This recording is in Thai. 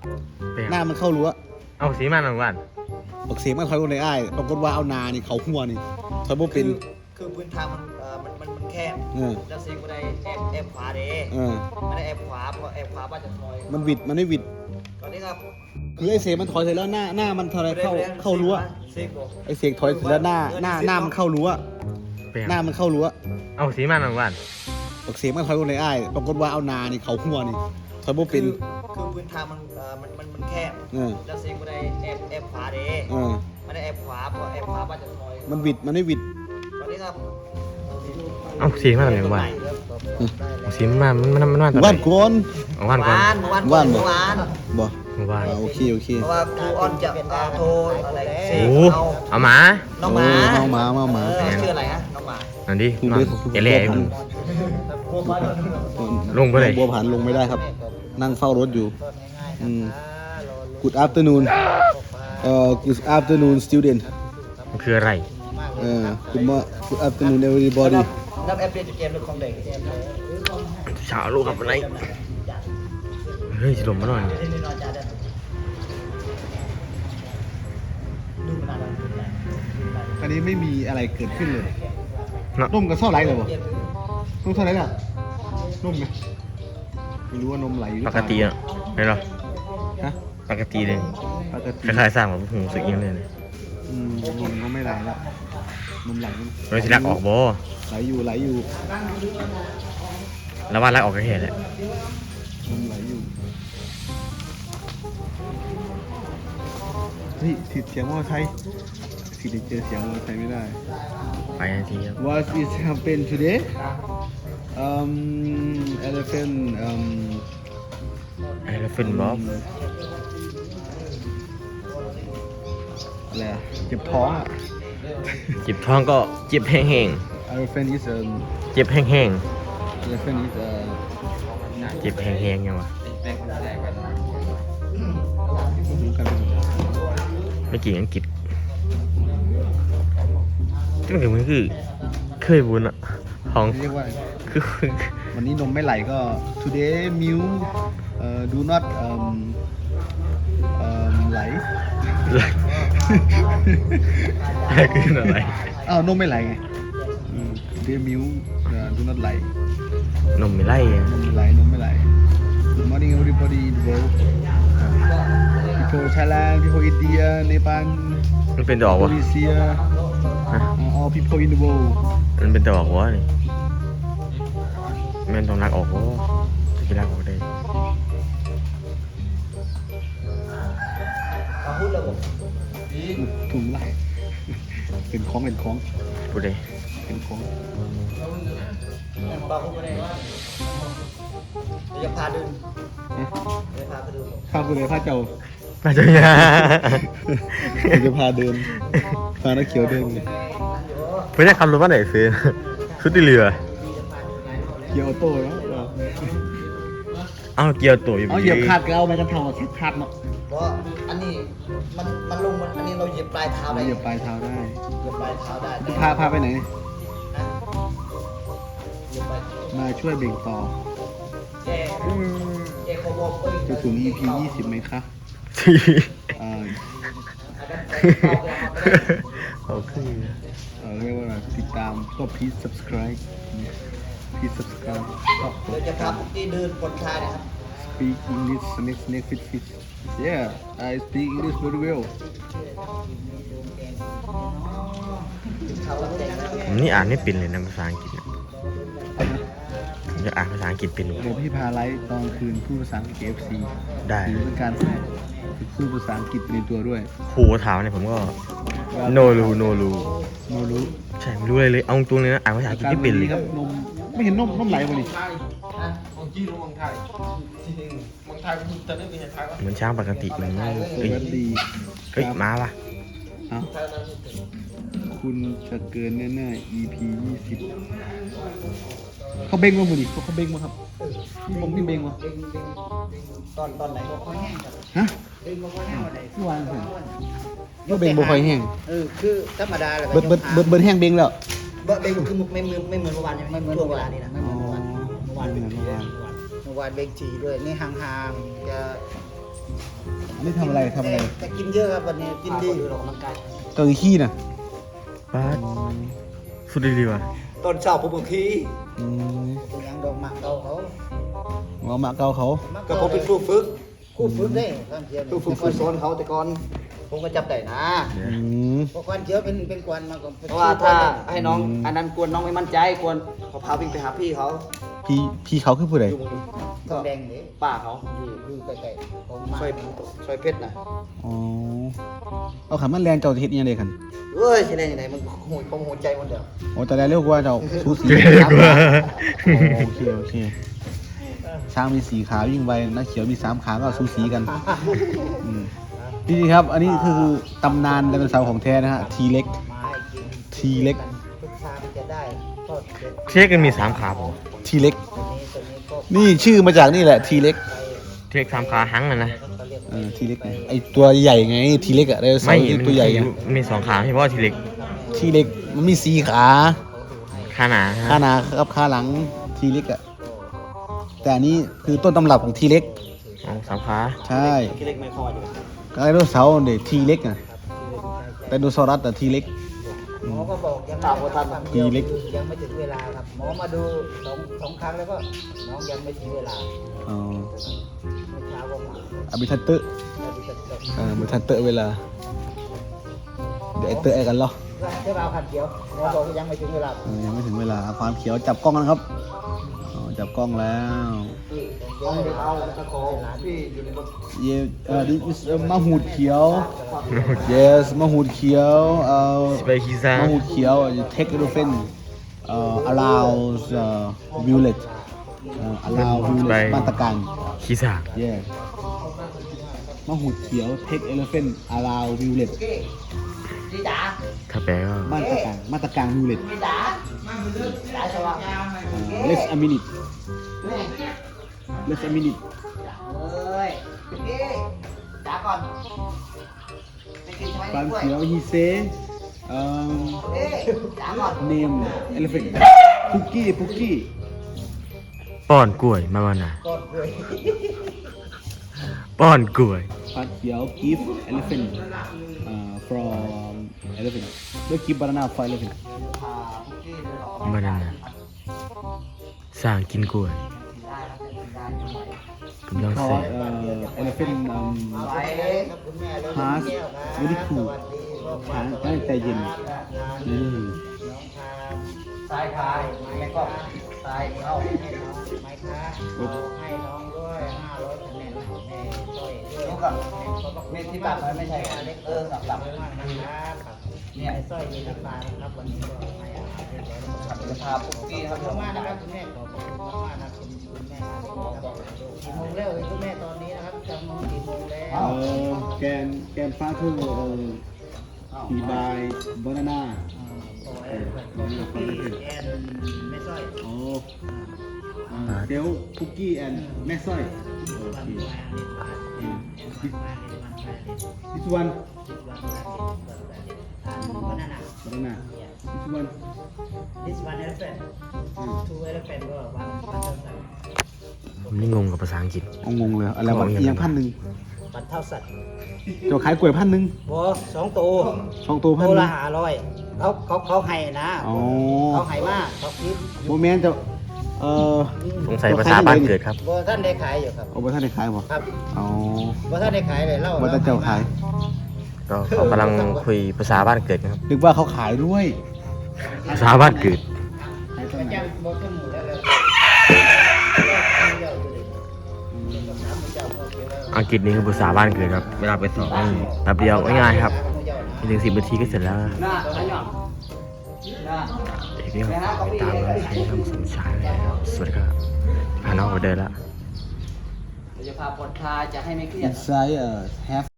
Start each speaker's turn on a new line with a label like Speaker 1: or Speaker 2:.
Speaker 1: หน้ามันเข้ารั้ว
Speaker 2: เอาสีมันหนึ่งวัน
Speaker 1: บอกเสียงมันถอยบนในอ้ายปรากฏว่าเอานานี่เขาหัวนี่ถอยบ่เป็น
Speaker 3: คือพื้นทางมันแคบแล้วเสียงบันไดแอบขวาเด้ไม่ได้แอบขวาเพราะแอบขวาบ้านจะถอย
Speaker 1: มันวิดมันไม่วิด
Speaker 3: ตอนนี้ครับ
Speaker 1: คือไอ้เสียงมันถอยเสร็จแล้วหน้ามันถอยเข้ารั้วไอ้เสียงถอยเสร็จแล้วหน้ามันเข้ารั้วหน้ามันเข้ารั้ว
Speaker 2: เอาสีมันหนึ่งวัน
Speaker 1: บอกเสียงมันถอยบนในอ้ายปรากฏว่าเอานานี่เขาหัวนี่ถอยบ่เป็น
Speaker 3: คือพื้นทางมันแคบแล้วเสียงบันไดแอบขวาเด้ไม่ได้แอบขวาเพราะแอบขวาบ้านจะถอย
Speaker 1: มันวิดมันไม่วิด
Speaker 3: ตอนนี้ครับ
Speaker 2: เอาสีมันหนึ่งวันสีมัน
Speaker 1: ว่านก่อน
Speaker 2: ว่าน
Speaker 1: บ่โอเค
Speaker 3: เพราะว่าครูออนจะโทรอะไร
Speaker 2: เอาหมา
Speaker 3: น้องหมา
Speaker 1: ชื่
Speaker 3: ออะไรฮะน้องหมา
Speaker 2: นั่นดิแหล่ลงไปเลย
Speaker 1: บัวผันลงไม่ได้ครับนั่งเฝ้ารถอยู่Good afternoon Good afternoon student
Speaker 2: มันคืออะไร
Speaker 1: Good afternoon everybody
Speaker 3: นับแอปเปิลเกมหรือของเด็ก
Speaker 2: เช้าลูกกับอะไรเฮ้ยจะลงมาหน่อย
Speaker 1: อันนี้ไม่มีอะไรเกิดขึ้นเลยนมกับซ่อไหลเลยบ่นมซ่อไหลล่ะนมไหมไม่รู้ว่านมไหล
Speaker 2: ปกติอ่ะไม่หรอปกติเลยคล้ายๆสร้างแบบหูสึกยังเลย
Speaker 1: นมก็ไม่ไหลแล้วนมไหล
Speaker 2: เราจะลักออกบ่
Speaker 1: ไหลอยู่
Speaker 2: แล้วว่าลักออกก็เห็นแหละ
Speaker 1: นมไหลอยู่เฮ้ยติดเสียงมอเตอร์ไซค์สิได้เจอเสียงมอเตอร์ไซค์ไม่ได้
Speaker 2: ไปทันทีครับ
Speaker 1: What is happened today elephant
Speaker 2: box
Speaker 1: อะไรเจ็บท้อง
Speaker 2: เจ็บท้องก็เจ็บแห้ง
Speaker 1: elephant is
Speaker 2: เจ็บแห้ง
Speaker 1: elephant is
Speaker 2: เจ็บแห้งยังวะไม่กี่อังกฤษก็เหมือนคือเคยบุญอ่ะของ
Speaker 1: เรียกว่า
Speaker 2: คือ
Speaker 1: วันนี้นมไม่ไหลก็ today milk do not ไหล
Speaker 2: คืออะไร
Speaker 1: นมไม่ไหลไงtoday milk do not ไหล
Speaker 2: นมไม่ไหล
Speaker 1: นมไม่ไหล Good morning everybody in the world people Thailand people India Nepal
Speaker 2: มันเป็นดอกวะ
Speaker 1: Malaysia all people in the world
Speaker 2: มันเป็นดอกวะนี่แม่นต้องรักออกวะจะรักออกได้
Speaker 1: ถุงไหลเป็นของ
Speaker 2: พูดเลย
Speaker 1: เป็นของ
Speaker 3: จะพาเดิน
Speaker 1: พาคุณเลยพาเจ้า
Speaker 2: มาเจอ
Speaker 1: จะพาเดินพานักเขียวเดิน
Speaker 2: เพื่อนขับรถมาไหนซื้อชุดที่เรือ
Speaker 1: เกียวโต้แล้ว
Speaker 2: เกียวโต้อยู่
Speaker 1: เหยียบขาดก็เอาไปกันเท่าขาดเนาะ
Speaker 3: เพราะอันนี้มันลงอันนี้เราเหยียบปลายเท้าได้
Speaker 1: เหยียบปลายเท้าได้พาไปไหนมาช่วยเบ่งต่อจะถึง EP 20ไหมคะ
Speaker 2: เขาคือ
Speaker 1: เรียกว่าติดตามก็ please subscribe
Speaker 3: เดี๋ยวจะพาปุ๊กกี้เดินบนชายนะครับ
Speaker 1: speak English snake fish yeah I speak English very well
Speaker 2: นี่อ่านไม่เป็นเลยนะภาษาอังกฤษจะอ่านภาษาอังกฤษเป็น
Speaker 1: เดี๋ยวพี่พาไลฟ์ตอนคืนพูดภาษาอังกฤษ FC
Speaker 2: ได้
Speaker 1: หรือเป็นการฝึกพูดภาษาอังกฤษในตัวด้วย
Speaker 2: ครูถามเนี่ยผมก็ no รู้ใช่ไม่รู้เลยเอาตรงเลยนะอ่านภาษาอังกฤษไม่เป็นเลย
Speaker 1: ครับนมไม่เห็นนมไหลมาดิ
Speaker 2: เหมือนช้างปกติมันไม่เฮ้ยมาป่ะ
Speaker 1: คุณจะเกินแน่ๆ EP 20เขาเบ่งมาหมดดิเขาเบ่งมาครับนี่เบ่งมา
Speaker 3: ตอนไหน
Speaker 1: ฮะเบ่งมาค่อยแห้งอะไรที่วางเหรอก็เบ่งบ่ค่อยแห้ง
Speaker 3: คือธรรมดาเลย
Speaker 1: เบิดแห้งเบ่งแล้ว
Speaker 3: เบ่งคือไม่เหมือนเมื่อวานไม่เหมือนช่วงเวลานี้นะไม่เหมือนเมื่อวานเบ่งทีด้วยนี่ห่างๆจะ
Speaker 1: อันนี้ทำอะไรทำอะไร
Speaker 3: แต่กินเยอะครับวันนี้กินดีอยู่ออกกำลังกาย
Speaker 1: ตัวขี้น่ะ
Speaker 2: ป้าดสุดดีว่ะ
Speaker 3: ตอนเช้าผมก็ขี่
Speaker 1: อืม
Speaker 3: ยังดอกหมากเก่าเขา
Speaker 1: หมอมาเกาเขา
Speaker 3: ก็ผมเป็นครูฝึกได้ข้างเคียงครูฝึกคอยสอนเขาแต่ก่อนผมก็จับได้นะ
Speaker 1: อืม
Speaker 3: เพราะควันเขียวเป็นควันมาก่อนเพราะว่าถ้าให้น้องอันนั้นกวนน้องไม่มั่นใจกวนเขาพาวิ่งไปหาพี่เขา
Speaker 1: พี่เขาคือผู้ใด
Speaker 3: อยู่ทองแดงเด้ป้าเขาอยู่ใกล้ๆผมซอยเพชรนะ
Speaker 1: อ๋อเอาขันมันแรงเจ้าเฮ็ดยังไงกัน
Speaker 3: เอ้ยใช่ได้ยังไงมันหูยผมหัวใจหมดเดียว
Speaker 1: โอ้แต่แล้วเรียกว่าเจ้าสูสี
Speaker 2: เรียกว่า
Speaker 1: โอเคโอเคช้างมี4ขาวิ่งไวนักเขียวมี3ขาก็สูสีกันอืมนี่ครับ อันนี้คือตำนานไดโนเสาร์ของแท้นะฮะทีเล็ก
Speaker 3: ไม้กิน
Speaker 1: ทีเล็ก
Speaker 3: ทุกชามจะได้ทอดเสร็จ
Speaker 2: เช็คกันมี3ขาผม
Speaker 1: ทีเล็ก
Speaker 3: ตัวนี้ก็
Speaker 1: นี่ชื่อมาจากนี่แหละทีเล็ก
Speaker 2: เช็ค3ขาหังนะ
Speaker 3: เขาเรียก
Speaker 1: ทีเล็กไอตัวใหญ่ไงทีเล็กอะไดโนเสา
Speaker 2: ไม่
Speaker 1: ร์ที่ตัวใหญ่ไง
Speaker 2: มันมี2ขาเฉพาะทีเล็ก
Speaker 1: ทีเล็กมันมี4ขา
Speaker 2: ขาหนา
Speaker 1: ขาหน้ากับขาหลังทีเล็กอะแต่อันนี้คือต้นตำรับของทีเล็ก
Speaker 2: 3ขา
Speaker 1: ใช่
Speaker 3: ที่เล็กไม่คอยอยู่
Speaker 1: ก็ไดโนเสาร์เด็ทีเล็กอะไดโนเสารัสแต่ทีเล็ก
Speaker 3: หมอก็บอกยังตามทัน
Speaker 1: ทีเล็ก
Speaker 3: ยังไม่ถึงเวลาครับหมอมาดูสองครั้งแล้วก็น้องยังไม่ถึงเวลา
Speaker 1: อ๋อ
Speaker 3: เมื่อเช้าก็มา
Speaker 1: อภิทัตเตอร์
Speaker 3: แล้วดิฉันก็
Speaker 1: อภิทัตเตอร์เวลาเดี๋ยวไอเตอร์ไอกันเหรอ
Speaker 3: เจ้าบ่าวขันเขียวหมอบอกว่ายังไม่ถึงเวลา
Speaker 1: ยังไม่ถึงเวลาความเขียวจับกล้องกันครับอ๋อจับกล้องแล้ว
Speaker 3: ยังไม่เอาตะขอพี่อยู่ในรถ
Speaker 1: this is มะหูดเขียว yes มะหูดเขียว
Speaker 2: สไปคิซ่าม
Speaker 1: ะหูดเขียว take elephant allows violet allow violet มาตรการ
Speaker 2: คิซ่า
Speaker 1: yeah มะหูดเขียว take elephant allow violet
Speaker 3: ดีจ๋า
Speaker 2: ถ้าแปลก็
Speaker 1: มาตรการ violet
Speaker 3: ดีจ๋าจ๋าสวัสดี
Speaker 1: let's a minute let's a minute
Speaker 3: เอ้ยพี่จ๋าก่อนไปกินใช่ไหม
Speaker 1: ความ
Speaker 3: กล้วย
Speaker 1: เขียว he say
Speaker 3: พี่จ๋าก่อน
Speaker 1: name elephant ปุกกี้
Speaker 2: ป้อนกล้วยมาวันน่ะ
Speaker 3: ก่อนกล้วย
Speaker 2: ป้อนกล้วย
Speaker 1: ความเขียว give elephant from elephant แล้ว give banana for elephant
Speaker 2: มานั่นน่ะสร้างกินกล้วยกำลังเส
Speaker 1: because
Speaker 2: ก
Speaker 1: elephant
Speaker 3: ไปเลยครับคุณแม่เลย
Speaker 1: has very cool ช้างตั้งแต่เย็นอืม
Speaker 3: สายขายแล้วก็สายเข้าให้น้องไม้ค้าให้น้องด้วย500คะแนนแม่ช่วยด้วยลูกกับเม็ดที่ตัดไว้ไม่ใช่เล็กสับนะครับเนี่ยไอ้สร้อยมีราคานะครับวันนี้ก็ให้อาหารเรียบร้อยแล้วจะพาปุ๊กกี้ครับขอบคุณมากนะครับคุณแม่ขอบคุณมากๆนะคุณแม่ครับกี่โมงแล้วคุณแม่ตอนนี้นะครับจำน้องกี่โมงแล้ว
Speaker 1: แกนฟ้าคือhe buy banana
Speaker 3: ไม่สร้อย
Speaker 1: โอ้เซลคุกกี้ and แม่สร้อย this one
Speaker 3: banana
Speaker 1: banana this one
Speaker 3: this one elephant two elephant ก็1,000
Speaker 2: ผมนี่งงกับภาษาอังกฤษ
Speaker 1: งงเลยอะไรวะเอียง1,000
Speaker 3: บัตรเท่าสัตว์
Speaker 1: เจ้าขายกล้วย1,000
Speaker 3: บอ2ตัว
Speaker 1: 2 ตัว
Speaker 3: ตัวละ
Speaker 1: 1,000
Speaker 3: 500เขาให้นะ
Speaker 1: อ๋อ
Speaker 3: เขาให้มากเขาคิด
Speaker 1: โมเมนต์จะ
Speaker 2: สงสัยภาษาบ้านเกิดครับ
Speaker 3: บอท่านได้ขายอยู่ครับ
Speaker 1: โอ้บ่ท่านได้ขายบ่
Speaker 3: ครับ
Speaker 1: อ๋อบ
Speaker 3: อท่านได้ขายเลยเล่า
Speaker 1: บ่ท่านเจ้าขาย
Speaker 2: ก็เขากำลังคุยภาษาบ้านเกิดกันครับ
Speaker 1: นึกว่าเขาขายด้วย
Speaker 2: ภาษาบ้านเกิด
Speaker 1: ขายตอนไหน
Speaker 3: จำบอขึ้นหมูแล้วเลย
Speaker 2: อังกฤษนี่คือภาษาบ้านเกิดครับ เวลาไปสอบนี่แป๊บเดียวง่ายๆครับไม่ถึง10 นาทีก็เสร็จแล้ว
Speaker 3: หน้าหน้า
Speaker 2: เด็กนี่ครับไปตามมาใช้ทำสมชายเลยครับสวัสดีครับพาน้องไปเดินแล้ว
Speaker 3: จะพาผ่อนคลายจะให้ไม่เครียด
Speaker 1: inside have